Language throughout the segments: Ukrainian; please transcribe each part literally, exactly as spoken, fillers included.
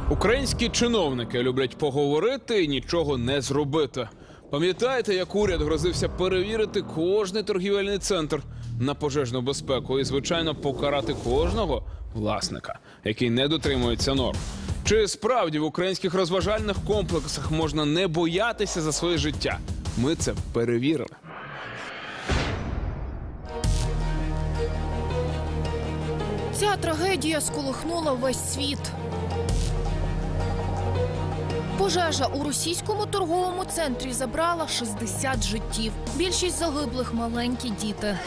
Українські чиновники люблять поговорити і нічого не зробити. Пам'ятаєте, як уряд грозився перевірити кожний торгівельний центр на пожежну безпеку і, звичайно, покарати кожного власника, який не дотримується норм? Чи справді в українських розважальних комплексах можна не боятися за своє життя? Ми це перевірили. Ця трагедія сколихнула весь світ. Пожежа у російському торговому центрі забрала шістдесят життів. Більшість загиблих – маленькі діти.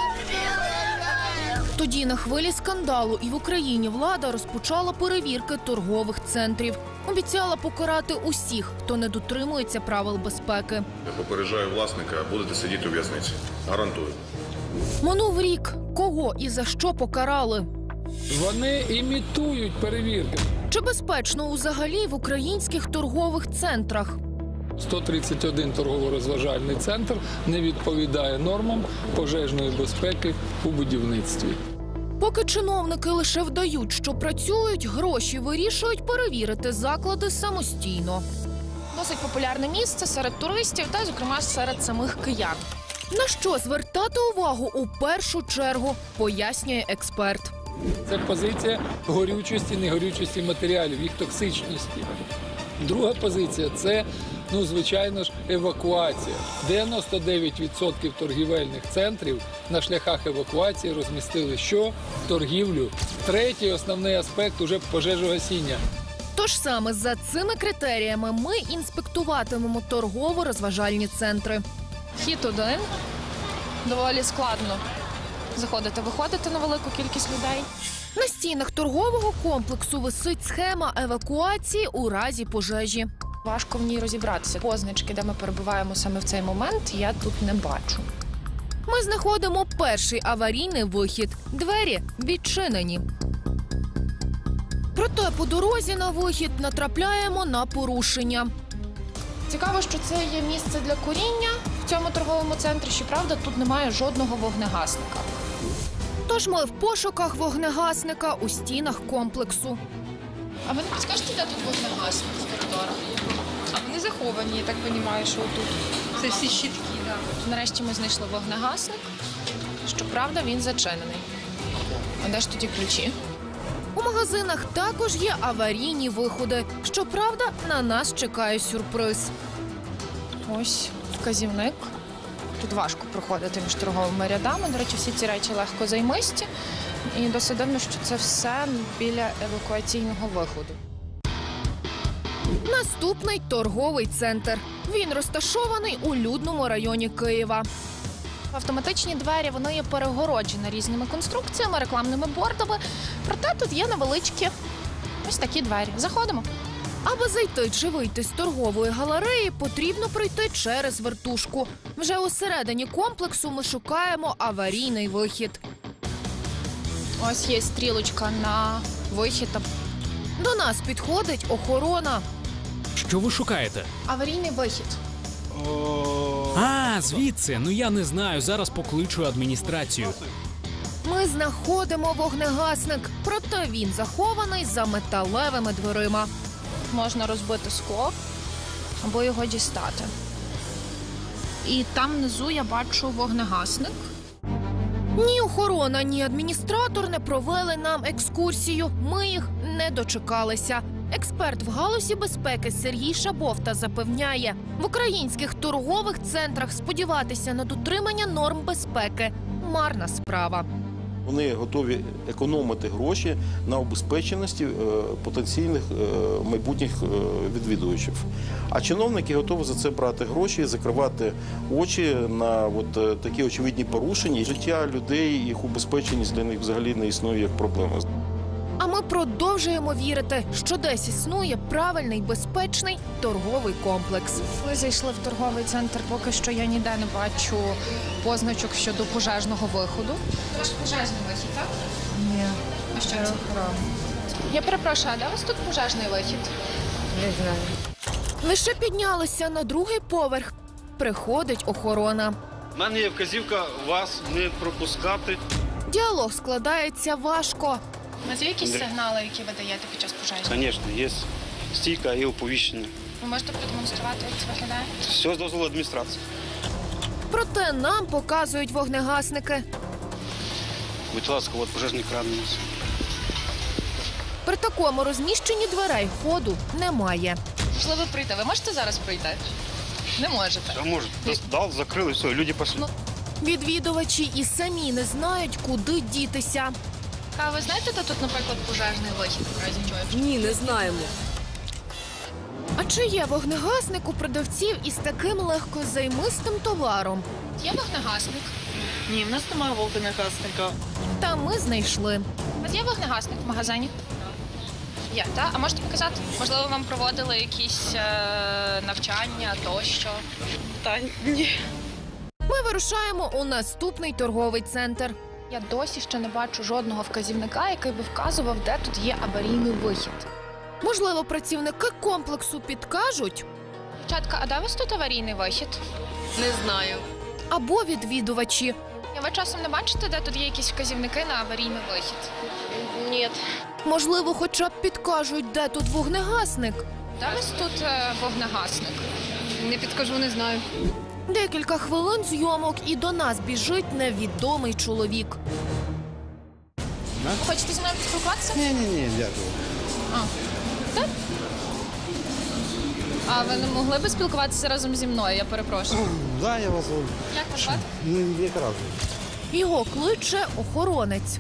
Тоді на хвилі скандалу і в Україні влада розпочала перевірки торгових центрів. Обіцяла покарати усіх, хто не дотримується правил безпеки. Я попереджаю власника, будете сидіти у в'язниці. Гарантую. Минув рік. Кого і за що покарали? Вони імітують перевірки. Чи безпечно взагалі в українських торгових центрах? сто тридцять один торгово-розважальний центр не відповідає нормам пожежної безпеки у будівництві. Поки чиновники лише вдають, що працюють, гроші вирішують перевірити заклади самостійно. Досить популярне місце серед туристів та, зокрема, серед самих киян. На що звертати увагу у першу чергу, пояснює експерт. Це позиція горючості, негорючості матеріалів, їх токсичності. Друга позиція – це, ну, звичайно ж, евакуація. дев'яносто дев'ять відсотків торгівельних центрів на шляхах евакуації розмістили що? Торгівлю. Третій основний аспект – уже пожежогасіння. Тож саме за цими критеріями ми інспектуватимемо торгово-розважальні центри. Хід один. Доволі складно заходити-виходити на велику кількість людей. На стінах торгового комплексу висить схема евакуації у разі пожежі. Важко в ній розібратися. Позначки, де ми перебуваємо саме в цей момент, я тут не бачу. Ми знаходимо перший аварійний вихід. Двері відчинені. Проте по дорозі на вихід натрапляємо на порушення. Цікаво, що це є місце для куріння в цьому торговому центрі. Щоправда, тут немає жодного вогнегасника. Тож ми в пошуках вогнегасника у стінах комплексу. А ви не підскажете, де тут вогнегасник в коридорах? А вони заховані, я так розумію, що тут. Це всі щитки, так. Да. Нарешті ми знайшли вогнегасник. Щоправда, він зачинений. А де ж тоді ключі? У магазинах також є аварійні виходи. Щоправда, на нас чекає сюрприз. Ось вказівник. Тут важко проходити між торговими рядами. До речі, всі ці речі легко займисті. І досить дивно, що це все біля евакуаційного виходу. Наступний торговий центр. Він розташований у людному районі Києва. Автоматичні двері, вони є перегороджені різними конструкціями, рекламними бордами. Проте тут є невеличкі ось такі двері. Заходимо. Аби зайти чи вийти з торгової галереї, потрібно пройти через вертушку. Вже усередині комплексу ми шукаємо аварійний вихід. Ось є стрілочка на вихід. До нас підходить охорона. Що ви шукаєте? Аварійний вихід. А, звідси. Ну я не знаю, зараз покличу адміністрацію. Ми знаходимо вогнегасник, проте він захований за металевими дверима. Можна розбити скло або його дістати. І там внизу я бачу вогнегасник. Ні охорона, ні адміністратор не провели нам екскурсію. Ми їх не дочекалися. Експерт в галузі безпеки Сергій Шабовта запевняє, в українських торгових центрах сподіватися на дотримання норм безпеки – марна справа. Вони готові економити гроші на обезпеченості потенційних майбутніх відвідувачів. А чиновники готові за це брати гроші, закривати очі на от такі очевидні порушення. Життя людей, їх убезпеченість для них взагалі не існує як проблема. А ми продовжуємо вірити, що десь існує правильний, безпечний торговий комплекс. Ми зайшли в торговий центр, поки що я ніде не бачу позначок щодо пожежного виходу. Це ж пожежний вихід, так? Ні. А що це? Я перепрошую, а де у вас тут пожежний вихід? Не знаю. Лише піднялися на другий поверх. Приходить охорона. У мене є вказівка вас не пропускати. Діалог складається важко. У вас є якісь сигнали, які ви даєте під час пожежі? Звісно, є стійка і оповіщення. Ви можете продемонструвати, як це виглядає? Все з дозволу адміністрації. Проте нам показують вогнегасники. Будь ласка, от пожежний кран у нас. При такому розміщенні дверей ходу немає. Можливо, прийти. Ви можете зараз прийти? Не можете. Все може. Дал, закрили, все, люди пішли. Відвідувачі і самі не знають, куди дітися. А ви знаєте, де тут, наприклад, пожежний вихід? в разі чого? Ні, не знаємо. А чи є вогнегасник у продавців із таким легкозаймистим товаром? Є вогнегасник? Ні, в нас немає вогнегасника. Та ми знайшли. У вас є вогнегасник в магазині? Є, так? А можете показати? Можливо, вам проводили якісь е, навчання тощо? Та ні. Ми вирушаємо у наступний торговий центр. Я досі ще не бачу жодного вказівника, який би вказував, де тут є аварійний вихід. Можливо, працівники комплексу підкажуть, Дівчатка, а де у вас тут аварійний вихід? Не знаю. або відвідувачі. А ви часом не бачите, де тут є якісь вказівники на аварійний вихід? Ні. Можливо, хоча б підкажуть, де тут вогнегасник. Де у вас тут е, вогнегасник? Не підкажу, не знаю. Декілька хвилин зйомок і до нас біжить невідомий чоловік. Ви хочете зі мною поспілкуватися? Ні, ні, ні, дякую. А ви не могли б спілкуватися разом зі мною, я перепрошую. Да, я вас Як вас звати? ну, якраз. Його кличе охоронець.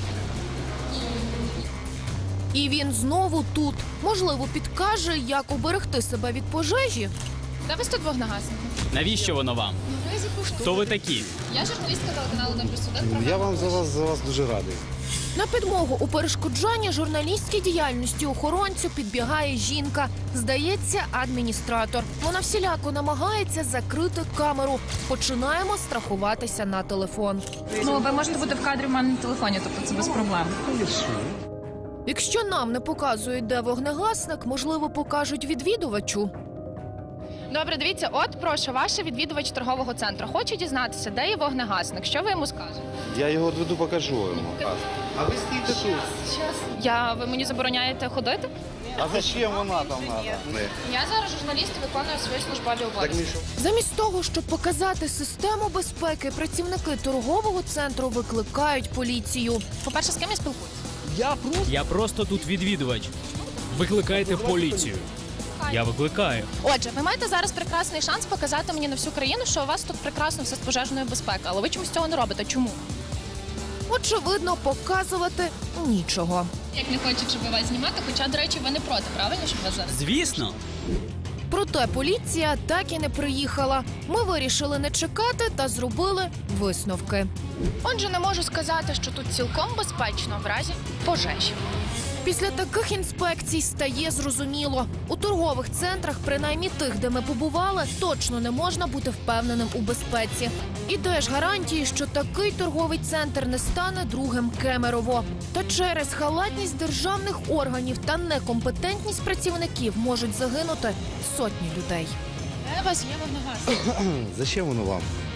І він знову тут. Можливо, підкаже, як уберегти себе від пожежі. Де у вас тут вогнегасник? Навіщо воно вам? Хто ви такі? Я журналістка телеканалу «Один плюс один». Я вам за вас за вас дуже радий. На підмогу у перешкоджанні журналістській діяльності охоронцю підбігає жінка. Здається, адміністратор. Вона всіляко намагається закрити камеру. Починаємо страхуватися на телефон. Ну, ви можете бути в кадрі в мене на телефоні, тобто це без проблем. Якщо нам не показують, де вогнегасник, можливо, покажуть відвідувачу. Добре, дивіться, от, прошу, ваш відвідувач торгового центру. Хоче дізнатися, де є вогнегасник. Що ви йому скажете? Я його відведу, покажу йому. А ви стійте тут. Я, ви мені забороняєте ходити? А зачем вона там треба? Я зараз журналіст і виконую свої службові обов'язки. Замість того, щоб показати систему безпеки, працівники торгового центру викликають поліцію. По-перше, з ким я спілкуюся? Я просто тут відвідувач. Викликайте поліцію. Я викликаю. Отже, ви маєте зараз прекрасний шанс показати мені на всю країну, що у вас тут прекрасно все з пожежною безпекою, але ви чомусь цього не робите. Чому? Очевидно, показувати нічого. Як не хочуть, щоб вас знімати, хоча, до речі, ви не проти, правильно, щоб вас зараз? Звісно. Проте поліція так і не приїхала. Ми вирішили не чекати та зробили висновки. Отже, не можу сказати, що тут цілком безпечно в разі пожежі. Після таких інспекцій стає зрозуміло. У торгових центрах, принаймні тих, де ми побували, точно не можна бути впевненим у безпеці. І де ж гарантії, що такий торговий центр не стане другим Кемерово? Та через халатність державних органів та некомпетентність працівників можуть загинути сотні людей. Де у вас є вогнегасник? Зачем воно вам?